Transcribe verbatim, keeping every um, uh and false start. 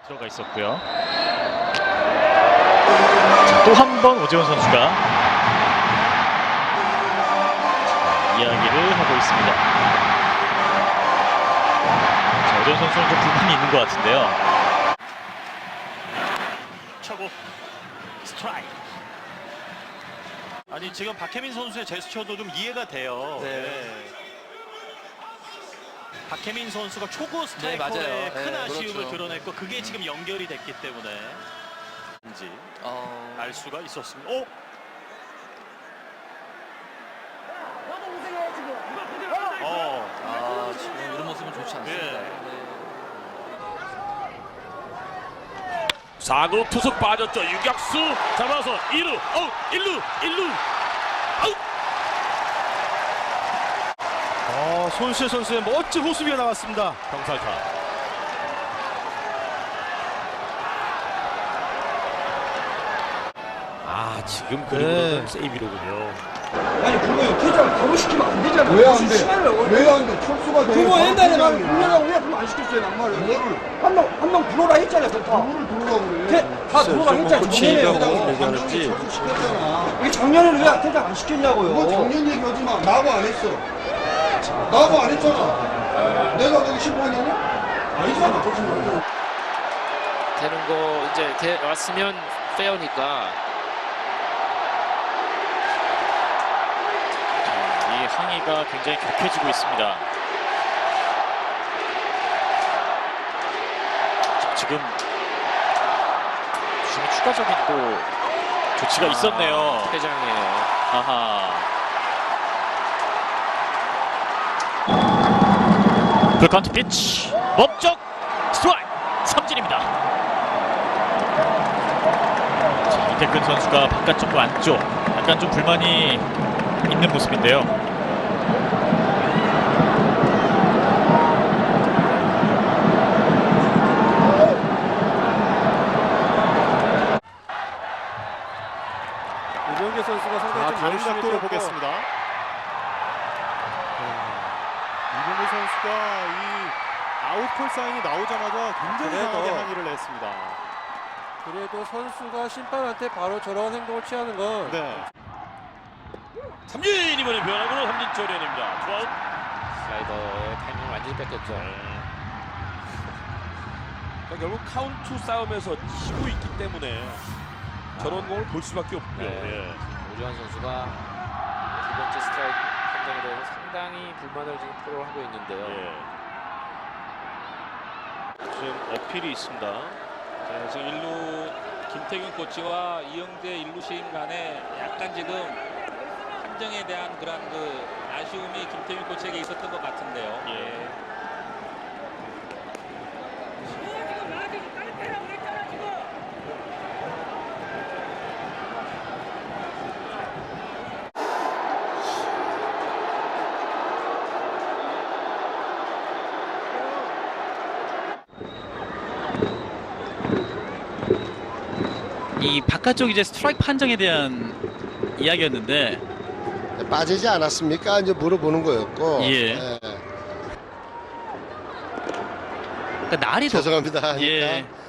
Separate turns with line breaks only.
들어가 있었고요. 또 한 번 오재원 선수가 자, 이야기를 하고 있습니다. 자, 오재원 선수는 좀 불만이 있는 것 같은데요.
차고 스트라이크. 아니 지금 박혜민 선수의 제스처도 좀 이해가 돼요.
네.
네. 박혜민 선수가 초구
네,
스트라이커의
맞아요.
큰
네,
아쉬움을
그렇죠.
드러냈고 그게 지금 연결이 됐기 때문에 인지
어...
알 수가 있었습니다. 오! 어.
아, 지금 이런 모습은 좋지 않습니다.
예.
네.
사 구 투석 빠졌죠. 유격수 잡아서 이 루, 어, 일 루, 일 루, 아웃.
어, 손실 선수의 멋진 호수비가 나왔습니다.
병살타. 아, 지금 그림으로는
네.
세이비로군요.
아니 그거 퇴장 바로 시키면 안 되잖아.
왜 안 돼?
시간을
왜 안 돼? 철수가 돼.
그거 옛날에 나
바로
불러라고 왜 그럼 안 시켰어요 낭말을?
뭐를?
한명 한 명 불러라 했잖아요 그거 다.
누구를 들어가고 그래?
퇴- 다 들어가 했잖아 작년에.
얘기하는지. 철수 시켰잖아.
이게 작년에는 왜 퇴장 안 시켰냐고요.
그거 작년 얘기하지 마. 나하고 안 했어. 나하고 안 했잖아. 내가 거기 심판이냐? 아니잖아.
되는 거 이제 돼 왔으면 페어니까.
이 항의가 굉장히 격해지고 있습니다. 자, 지금 주심이 추가적인 또 조치가 있었네요.
퇴장이에요.
아하. 풀카운트 피치 목적 스트라이크 삼진입니다. 자, 이태근 선수가 바깥쪽과 안쪽 약간 좀 불만이 있는 모습인데요.
이병규 선수가 상당히 좀
다른
열심히
각도로
뛰었고,
보겠습니다.
이병규 선수가 이 아웃콜 사인이 나오자마자 굉장히
그래도-
강하게 항의를 했습니다.
그래도 선수가 심판한테 바로 저런 행동을 취하는 건
네.
삼진 이번에 변화구로 삼진 처리입니다. 투아웃.
슬라이더의 타이밍을 완전히 뺏겼죠.
그러니까 결국 카운트 싸움에서 지고 있기 때문에 저런 공을 볼 수밖에 없고요.
네.
예.
오재환 선수가 두 번째 스트라이크 판정에 대해서 상당히 불만을 지금 표를 하고 있는데요.
예. 지금 어필이 있습니다.
네, 지금 일루 김태균 코치와 이영재 일루 시임 간에 약간 지금 판정에 대한 그런 그 아쉬움이 김태균 코치에게 있었던 것 같은데요.
예.
이 바깥쪽 이제 스트라이크 판정에 대한 이야기였는데
빠지지 않았습니까? 이제 물어보는 거였고.
예.
예.
그러니까 날이 더
죄송합니다.
예.
그러니까